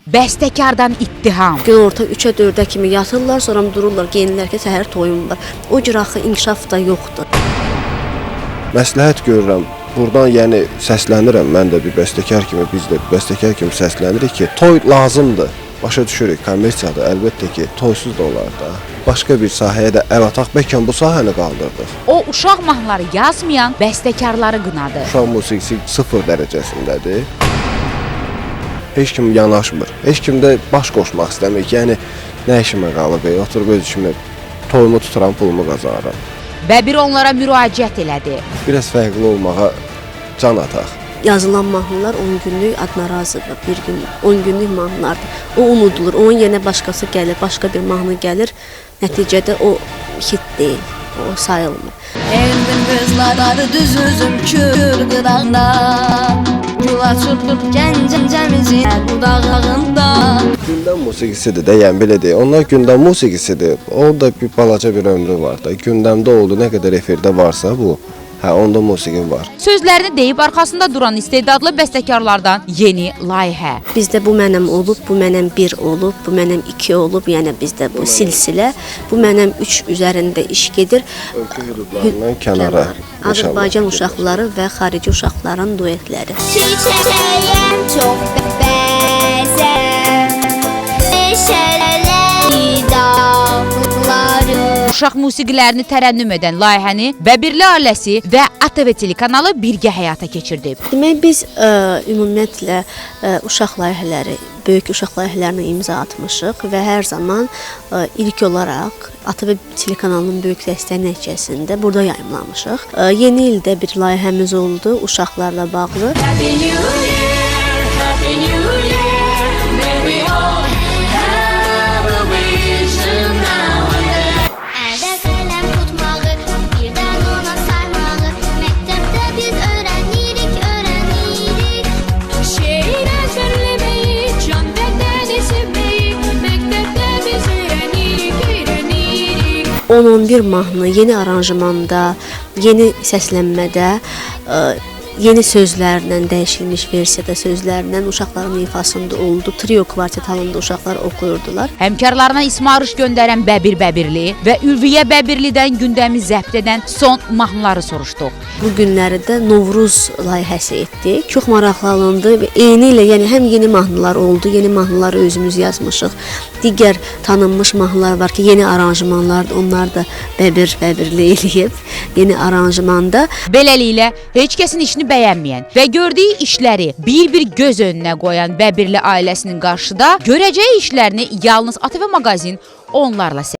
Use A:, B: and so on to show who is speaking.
A: bəstəkardan ittiham.
B: Günorta 3-ə 4-ə kimi yatırlar, sonra dururlar, geyinirlər ki, səhər toyum var. O cür axı inkişaf da yoxdur.
C: Məsləhət görürəm. Buradan yəni səslənirəm. Mən də bir bəstəkar kimi, biz də bəstəkar kimi səslənirik ki, toy lazımdır. Başa düşürük, kommersiyada əlbəttə ki, toysuz da olar da. Başqa bir sahəyə də əl ataq, bəlkə bu sahəni qaldırdıq.
A: O uşaq mahnıları yazmayan bəstəkarları qınadı.
C: Uşaq musiqisi 0 dərəcəsindədir. Heç kim yanaşmır. Heç kim də baş qoşmaq istəmir. Yəni nə işimə qalıb, oturub öz işimə toyumu tuturam, pulumu qazanıram.
A: Bəbir onlara müraciət elədi.
C: Biraz fərqli olmağa can ataq.
B: Yazılan mahnılar 10 günlük adnarazıdır, bir gün 10 günlük mahnılardır. O unudulur, onun yerinə başqası gəlir, başqa bir mahnı gəlir. Nəticədə o hit deyil, o sayılmır.
D: Endim qızlar düz üzüm kür qırağında, gül açılıb gəncəmizin budağında.
C: Gündəm musiqisidir də, yəni belə deyək. Onlar gündəm musiqisidir. Orada bir balaca bir ömrü var da. Gündəmdə oldu, nə qədər efirdə varsa bu, onda musiqi var.
A: Sözlərini deyib arxasında duran istedadlı bəstəkarlardan yeni layihə.
B: Bizdə bu mənəm olub, bu mənəm 1 olub, bu mənəm 2 olub, yəni bizdə bu silsilə, bu mənəm 3 üzərində iş gedir.
C: Ölkə hüdudlarından kənara.
B: Azərbaycan uşaqları və xarici uşaqların duetləri.
E: Çiçeğim çok bezem, neşeli dağları.
A: Uşaq musiqilərini tərənnüm edən layihəni Bəbirli ailəsi və ATV telekanalı birgə həyata keçirdi.
B: Demək, biz ümumiyyətlə uşaq layihələri, böyük uşaq layihələrinə imza atmışıq və hər zaman ilk olaraq ATV telekanalının böyük dəstəyi nəticəsində burada yayımlamışıq. Yeni ildə bir layihəmiz oldu uşaqlarla bağlı.
D: Happy New Year, Happy New Year, may we all have a vision now and then.
E: Əldə qələm tutmağı, birdən ona saymağı, məktəbdə biz öyrənirik.
D: Şeir əzberləməyi, can bədəni sevməyi, məktəbdə biz öyrənirik.
B: 10-11 mahnı yeni aranjmanda, yeni səslənmədə, yeni sözlərlə, dəyişilmiş versiyada sözlərlə uşaqların ifasında oldu. Trio kvartet halında uşaqlar oxuyurdular.
A: Həmkarlarına ismarış göndərən Bəbir Bəbirli və Ülviyə Bəbirlidən gündəmi zəbt edən son mahnıları soruşduq.
B: Bu günləri də Novruz layihəsi etdik. Çox maraqlı alındı və eyni ilə, yəni həm yeni mahnılar oldu, yeni mahnıları özümüz yazmışıq. Digər tanınmış mahnılar var ki, yeni aranjmanlardır, onlar da Bəbirli eləyib, yeni aranjmanda.
A: Beləliklə, heç kəsin işini bəyənməyən və gördüyü işləri bir-bir göz önünə qoyan Bəbirli ailəsinin qarşıda görəcəyi işlərini yalnız ATV maqazin onlarla